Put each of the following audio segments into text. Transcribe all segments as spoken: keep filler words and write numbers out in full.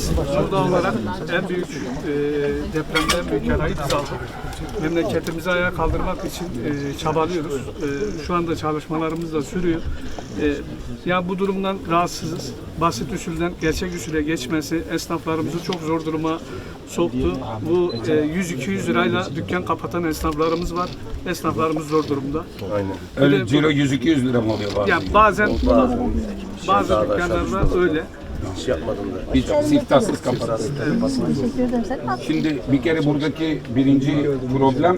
Biz burada olarak en büyük e, depremde en büyük yarayı biz aldık. Memleketimizi ayağa kaldırmak için e, çabalıyoruz. E, şu anda çalışmalarımız da sürüyor. E, ya bu durumdan rahatsızız. Basit usulden gerçek usule geçmesi esnaflarımızı çok zor duruma soktu. Bu e, yüz iki yüz lirayla dükkan kapatan esnaflarımız var. Esnaflarımız zor durumda. Aynen. Öyle ciro yüz iki yüz lira mı oluyor bazen? Ya bazen bazı dükkanlarda öyle. Hiç yapmadım da. Hiç siftahsız kapattı. Teşekkür ederim. Sen ne yaptın? Şimdi bir kere buradaki birinci problem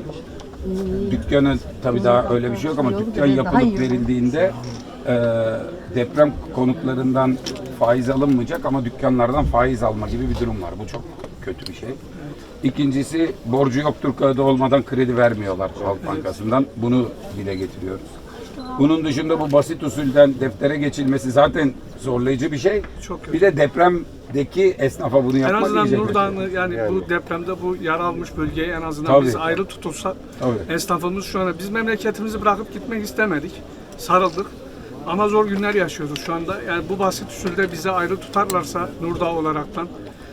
dükkanı tabii daha öyle bir şey yok ama dükkan yapılıp verildiğinde e, deprem konutlarından faiz alınmayacak ama dükkanlardan faiz alma gibi bir durum var. Bu çok kötü bir şey. İkincisi borcu yoktur kağıdı olmadan kredi vermiyorlar Halk Bankası'ndan. Bunu dile getiriyoruz. Bunun dışında bu basit usulden deftere geçilmesi zaten zorlayıcı bir şey. Çok kötü. Bir de depremdeki esnafa bunu En yapmak azından iyice kötü. Nurdağ'ı yani, bu depremde bu yara almış bölgeyi en azından Tabii. biz ayrı tutulsak Tabii. esnafımız şu anda biz memleketimizi bırakıp gitmek istemedik. Sarıldık. Ama zor günler yaşıyoruz şu anda. Yani bu basit usulde bizi ayrı tutarlarsa Nurdağ olaraktan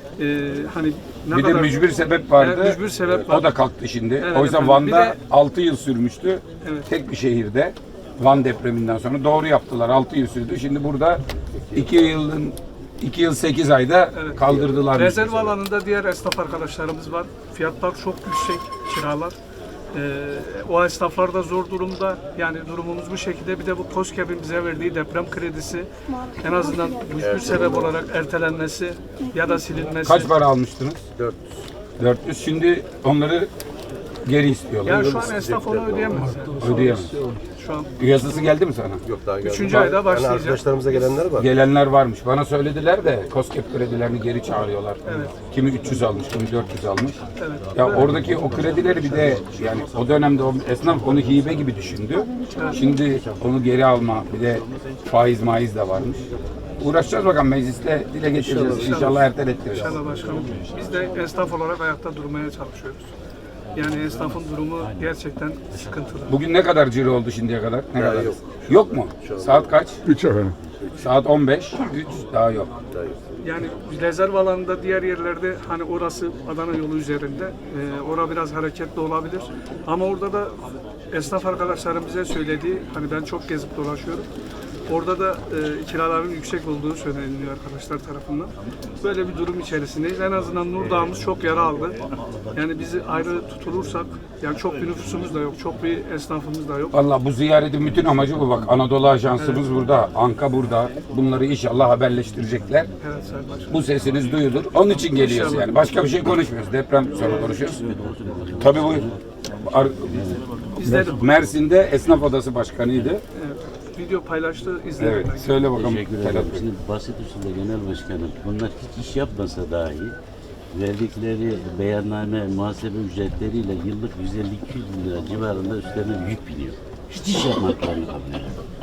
e, hani ne Bir de kadar mücbir sebep vardı. Evet, mücbir sebep var. O da kalktı şimdi. Evet Oysa efendim. Van'da Bir de- altı yıl sürmüştü. Evet. Tek bir şehirde. Van depreminden sonra doğru yaptılar. altı yıl sürdü. Şimdi burada iki yılın iki yıl sekiz ayda Evet. kaldırdılar. Rezerv alanında diğer esnaf arkadaşlarımız var. Fiyatlar çok yüksek, kiralar. Ee, o esnaflar da zor durumda. Yani durumumuz bu şekilde. Bir de bu KOSGEB'in bize verdiği deprem kredisi en azından mücbir sebep olarak ertelenmesi ya da silinmesi. Kaç para almıştınız? dört dört yüz. Şimdi onları geri istiyorlar. Yani şu an esnaf onu ödeyemez. Yani. Ödeyemez. Şu an Yasası geldi mi sana? Yok daha geldi. Üçüncü ayda Yani başlayacak. arkadaşlarımıza gelenler var. Gelenler varmış. Bana söylediler de KOSGEB kredilerini geri çağırıyorlar. Evet. Kimi üç yüz almış, kimi dört yüz almış. Evet. Ya oradaki o kredileri bir de yani o dönemde o esnaf onu hibe gibi düşündü. Şimdi onu geri alma bir de faiz maiz de varmış. Uğraşacağız bakalım mecliste dile getireceğiz. İnşallah ertelettireceğiz. İnşallah başkanım. Biz de esnaf olarak ayakta durmaya çalışıyoruz. Yani esnafın durumu gerçekten sıkıntılı. Bugün ne kadar ciro oldu şimdiye kadar? Ne Daha kadar? yok. Yok mu? Saat kaç? üç efendim. Saat on beş. üç daha yok. Yani rezerv alanında diğer yerlerde hani orası Adana yolu üzerinde e, orada biraz hareketli olabilir. Ama orada da esnaf arkadaşlarım bize söylediği hani ben çok gezip dolaşıyorum. Orada da e, kiraların yüksek olduğu söyleniyor arkadaşlar tarafından. Böyle bir durum içerisindeyiz. En azından Nurdağ'ımız çok yara aldı. Yani bizi ayrı tutulursak, yani çok bir nüfusumuz da yok, çok bir esnafımız da yok. Valla bu ziyaretin bütün amacı bu bak. Anadolu Ajansımız burada, Anka burada. Bunları inşallah haberleştirecekler. Evet Sayın Başkanım. Bu sesiniz duyulur. Onun için geliyoruz yani. Başka bir şey konuşmuyoruz. Deprem sonra konuşuyoruz. Tabii bu Ar- İzledim. Mersin'de Esnaf Odası Başkanı'ydı. Evet. Video paylaştı, izledim. Evet. ben. Söyle bakalım. Teşekkür Ferhat ederim. Bey. Şimdi basit usulde genel başkanım, bunlar hiç iş yapmasa dahi verdikleri beyanname, muhasebe ücretleriyle yıllık yüz elli iki yüz lira civarında üstlerine yük biniyor. Hiç iş yapmaklarını kalmıyor.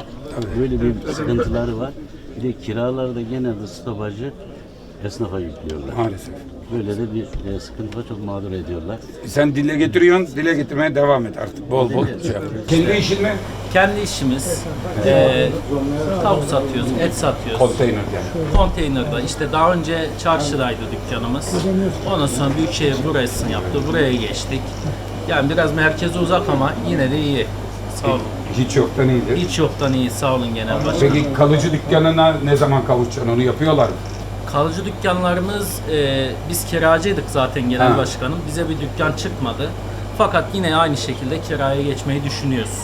Böyle bir sıkıntıları var. Bir de kiralarda genelde stopajı esnafa yüklüyorlar. Maalesef. Böyle de bir e, sıkıntı var, çok mağdur ediyorlar. Sen dile getiriyorsun, dile getirmeye devam et artık. Bol bol şey yap. Kendi işin mi? Kendi işimiz. Eee tavuk satıyoruz, et satıyoruz. Konteyner yani. Konteynerda işte daha önce çarşıdaydı dükkanımız. Ondan sonra Büyükşehir burasını yaptı. Buraya geçtik. Yani biraz merkeze uzak ama yine de iyi. Sağ olun. Hiç yoktan iyidir. Hiç yoktan iyi. Sağ olun genel başkanım. Peki kalıcı dükkanına ne zaman kavuşacaksın? Onu yapıyorlar mı? Kalıcı dükkanlarımız, eee, biz kiracıydık zaten genel Ha. başkanım. Bize bir dükkan çıkmadı. Fakat yine aynı şekilde kiraya geçmeyi düşünüyoruz.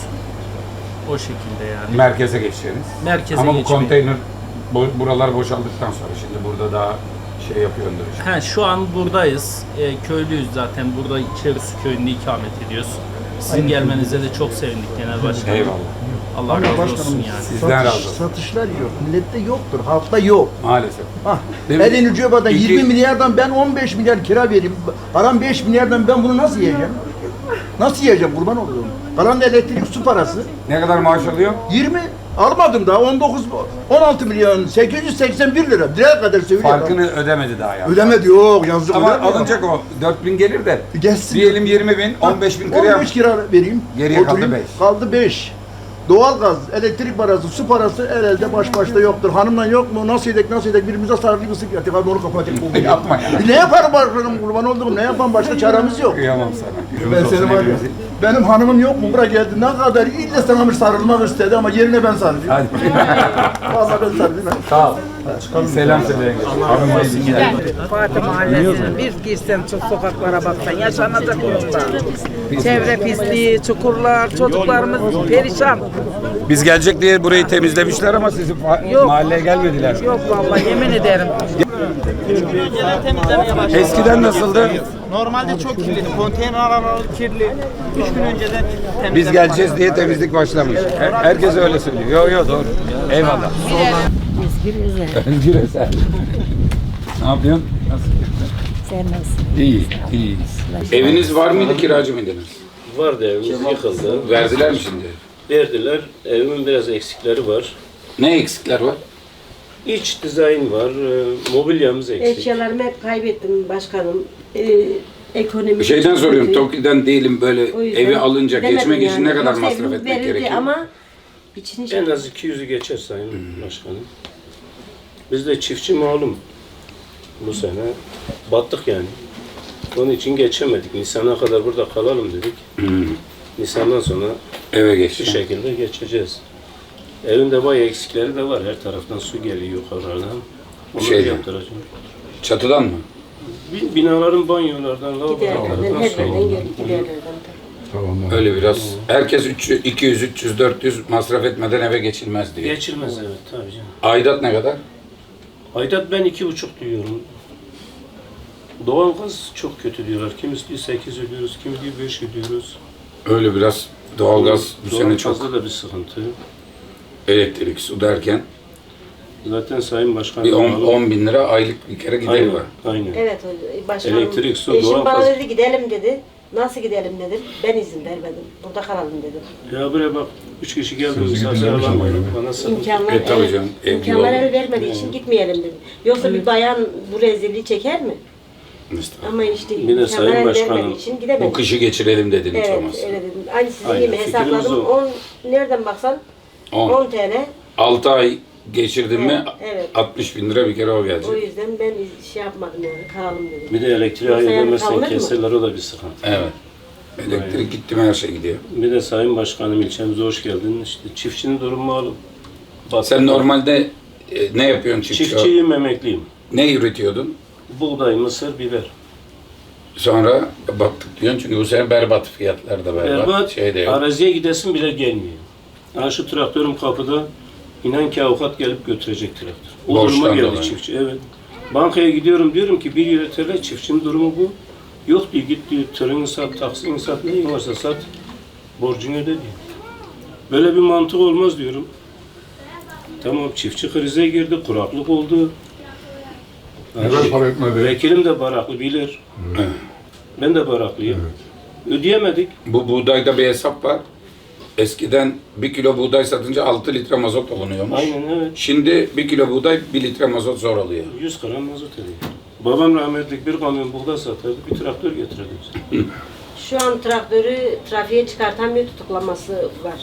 O şekilde yani. Merkeze geçeceğiniz. Merkeze Ama bu geçmeyi. konteyner bo- buralar boşaldıktan sonra şimdi burada daha şey yapıyordur. işte. He, şu an buradayız. E, köylüyüz zaten. Burada İçerisi köyünde ikamet ediyoruz. Sizin gelmenize de çok sevindik genel başkanım. Eyvallah. Allah razı olsun yani. Sizden razı olsun. Satışlar yok. Millette yoktur. Halkta yok. Maalesef. Hah. Değil mi? Elin cebada İki- yirmi milyardan ben on beş milyar kira vereyim. Param beş milyardan ben bunu nasıl yiyeceğim? Nasıl yiyeceğim kurban oluyorum. Kalan da elektrik su parası. Ne kadar maaş alıyor? yirmi almadım daha on dokuz on altı milyon sekiz yüz seksen bir lira. Direkt kadar seviyor. Farkını ödemedi daha yani. Ödemedi yok yazık. Ama öder mi ya? alınacak o. dört bin gelir de. Gelsin. Diyelim yirmi bin, on beş bin kira. on beş kira vereyim. Geriye kaldı Oturayım. beş. Kaldı beş. Doğalgaz, elektrik parası, su parası el elde baş başta yoktur. Hanımla yok mu? Nasıl edek, nasıl edek? Birbirimize sarılıp ısık yatık. Abi onu kapatayım. Yapma ya. Ne yaparım başkanım kurban olduğum? Ne yapan başka çaremiz yok. Kıyamam sana. Ben seni var ya, benim hanımım yok mu? Buraya geldi. Ne kadar illa sana bir sarılmak istedi ama yerine ben sarılayım. Hadi. Vallahi ben sarılayım. Sağ ol. Selam söyle. Hanım Fatih Mahallesi'nin bir girsen çok sokaklara baksan yaşanacak durumda. Çevre pisliği, çukurlar, çocuklarımız perişan. Biz gelecek diye burayı temizlemişler ama sizin Yok. mahalleye gelmediler. Yok vallahi yemin ederim. Eskiden nasıldı? Normalde çok kirliydi. Konteyner araları kirli. Üç gün önceden temizledim. Biz geleceğiz diye temizlik başlamış. Her- Herkes öyle söylüyor. Yok yok doğru. Eyvallah. Özgür Özel. Ne yapıyorsun? Nasıl gitti? Sen nasılsın? İyi, iyiyiz. Eviniz var mıydı, kiracı mıydınız? Vardı, evimiz yıkıldı. Verdiler mi şimdi? Verdiler. Evimin biraz eksikleri var. Ne eksikler var? İç dizayn var, e, mobilyamız eksik. Eşyalarımı hep kaybettim başkanım. Ee, ekonomi Bir şeyden çok soruyorum. kötü. TOKİ'den değilim böyle O yüzden evi alınca gidemedim geçmek için yani. ne kadar Yoksa masraf evimiz etmek verildi gerekiyor? Ama içini En az iki yüzü geçer sayın başkanım. Biz de çiftçi malum. Bu sene battık yani. Onun için geçemedik. Nisan'a kadar burada kalalım dedik. Nisan'dan sonra Eve şu geçti. şekilde geçeceğiz. Evinde bayağı eksikleri de var. Her taraftan su geliyor yukarıdan. Onları Şeyden. yaptıracağım. Çatıdan mı? Bi- Binaların banyolardan, giderlerden, lavabolardan her su yerden alıyor. gelip giderlerden. Öyle biraz. Herkes üç yüz, iki yüz, üç yüz, dört yüz masraf etmeden eve geçilmez diye. Geçilmez evet tabii canım. Aidat ne kadar? Aidat ben iki buçuk diyorum. Doğalgaz çok kötü diyorlar. Kimisi diyor sekiz ödüyoruz, kimi diyor beş ödüyoruz. Öyle biraz doğalgaz bu sene çok Doğalgazda da bir sıkıntı. elektrik, su derken Zaten Sayın Başkan... bir on bin lira aylık bir kere gideri Aynen, var. aynen. Evet o- başkanım. Elektrik, su, Eşim bana doğalgaz. dedi gidelim dedi. Nasıl gidelim dedim. Ben izin vermedim. Burada kalalım dedim. Ya buraya bak, üç kişi geldi misafir alamayın. Bana sıkıntı. İmkanlar, E, tabii evet, canım, ev imkanlar yolu. el vermediği için gitmeyelim dedim. Yoksa bir bayan bu rezilliği çeker mi? Mesela. Ama işte Bir de imkanlar Sayın el Başkanım, vermediği için gidemedim. Bu kışı geçirelim dedin hiç Evet, olmazsa. öyle dedim. Aynı sizin Aynen, gibi fikrimiz hesapladım. o. on nereden baksan on. on T L. altı ay geçirdin mi Evet. altmış bin lira bir kere o O gelecek. yüzden ben şey yapmadım yani kalalım dedim. Bir de elektriği Yoksa yani ayırmazsan kalınır mı? keserler, o da bir sıkıntı. Evet. Elektrik gitti mi her şey gidiyor. Bir de Sayın Başkanım ilçemize hoş geldin. İşte çiftçinin durumu malum. Battık. Sen normalde e, ne yapıyorsun çiftçi? Çiftçiyim, emekliyim. Ne üretiyordun? Buğday, mısır, biber. Sonra baktık diyorsun çünkü bu sene berbat fiyatlar da berbat. Berbat, Şey de yok. araziye gidesin bile gelmiyor. Ha şu traktörüm kapıda, inan ki avukat gelip götürecek traktör. O Borçtan duruma geldi dolayı. çiftçi, evet. Bankaya gidiyorum, diyorum ki bir lira T L, çiftçinin durumu bu. Yok diyor, git diyor, tırını sat, taksini sat, neyin varsa sat, borcunu öde diyor. Böyle bir mantık olmaz diyorum. Tamam, çiftçi krize girdi, kuraklık oldu. Neden para etmedi? Vekilim de baraklı bilir. Evet. Ben de baraklıyım. Ödeyemedik. Bu buğdayda bir hesap var. Eskiden bir kilo buğday satınca altı litre mazot alınıyormuş. Aynen evet. Şimdi bir kilo buğday bir litre mazot zor alıyor. yüz gram mazot ediyor. Babam rahmetlik bir kamyon buğday satardı, bir traktör getirirdi bize. Şu an traktörü trafiğe çıkartan bir tutuklaması var.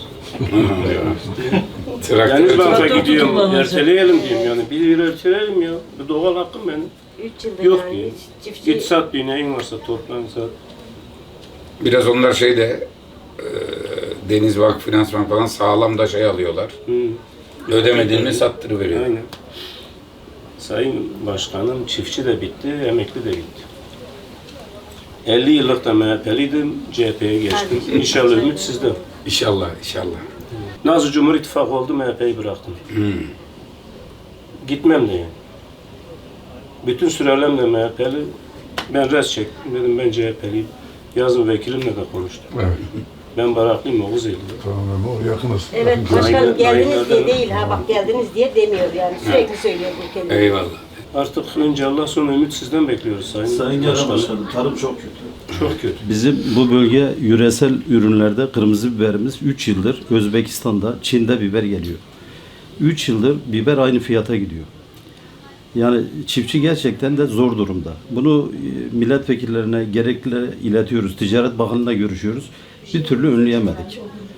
Yani banka Traktör. gidiyorum, erteleyelim diyorum yani. Bir lira erteleyelim ya. Bu doğal hakkım benim. üç yıldır Yok yani diyor. çiftçi Git sat diyor, neyin varsa toplan sat. Biraz onlar şeyde e, Deniz Vakfı, Finansman falan sağlam da şey alıyorlar. Hı. Ödemediğini mi sattırıveriyor. Aynen. Sayın Başkanım, çiftçi de bitti, emekli de bitti. elli yıllık da M H P'liydim, C H P'ye geçtim. İnşallah ümit sizde. İnşallah, inşallah. Nazlı Cumhur İttifakı oldu, M H P'yi bıraktım. Hmm. Gitmem de yani. Bütün sürelemle M H P'li. Ben res çektim, dedim ben C H P'liyim. Yazın vekilimle de konuştum. Evet. Ben baraklıyım, Oğuz Eylül'de. Tamam, o yakınız. evet başkanım Aynen, geldiniz aynen. diye değil ha bak geldiniz diye demiyor yani sürekli söylüyor bu kelimeyi. Eyvallah. Artık önce Allah sonra ümit sizden bekliyoruz Sayın, Sayın Genel Başkanım. Başkanım, tarım çok kötü. Çok kötü. Bizim bu bölge yöresel ürünlerde kırmızı biberimiz üç yıldır Özbekistan'da, Çin'de biber geliyor. üç yıldır biber aynı fiyata gidiyor. Yani çiftçi gerçekten de zor durumda. Bunu e, milletvekillerine gerekli iletiyoruz. Ticaret Bakanı'na görüşüyoruz. Bir türlü önleyemedik.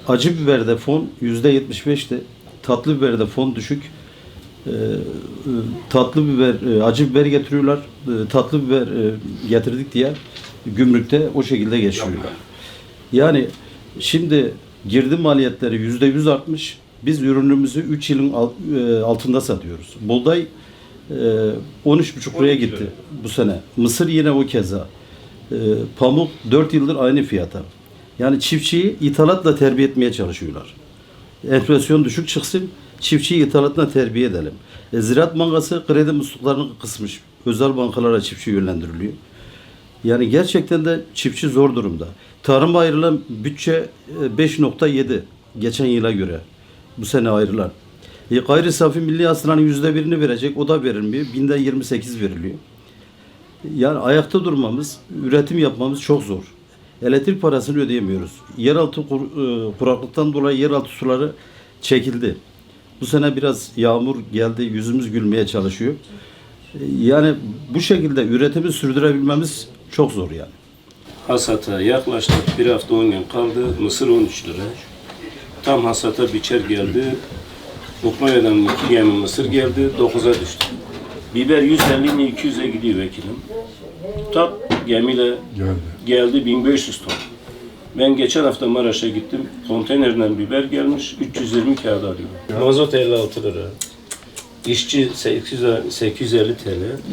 acı biberde fon yüzde yetmiş beşti. Tatlı biberde fon düşük. Ee, tatlı biber, e, acı biber getiriyorlar. Ee, tatlı biber e, getirdik diye gümrükte o şekilde geçiyorlar. Yani şimdi girdi maliyetleri yüzde yüz artmış. Biz ürünümüzü üç yılın altında satıyoruz. Buğday on üç buçuk liraya gitti bu sene. Mısır yine o keza. Pamuk dört yıldır aynı fiyata. Yani çiftçiyi ithalatla terbiye etmeye çalışıyorlar. Enflasyon düşük çıksın, çiftçiyi ithalatla terbiye edelim. E, Ziraat Bankası kredi musluklarını kısmış. Özel bankalara çiftçi yönlendiriliyor. Yani gerçekten de çiftçi zor durumda. Tarıma ayrılan bütçe beş nokta yedi geçen yıla göre. Bu sene ayrılan. E, gayri safi milli hasılanın yüzde birini verecek, o da verilmiyor. Binde yirmi sekiz veriliyor. Yani ayakta durmamız, üretim yapmamız çok zor. Elektrik parasını ödeyemiyoruz. Yeraltı kur, e, kuraklıktan dolayı yeraltı suları çekildi. Bu sene biraz yağmur geldi, yüzümüz gülmeye çalışıyor. E, yani bu şekilde üretimi sürdürebilmemiz çok zor yani. Hasata yaklaştık. Bir hafta on gün kaldı. Mısır on üç lira. Tam hasata biçer geldi. Ukrayna'dan iki gemi mısır geldi. dokuza düştü. Biber yüz elli ile iki yüze gidiyor vekilim. Tap gemiyle Geldi. geldi bin beş yüz ton. Ben geçen hafta Maraş'a gittim. Konteynerden biber gelmiş. üç yüz yirmi kağıt alıyor. Mazot elli altı lira. İşçi sekiz yüz elli T L.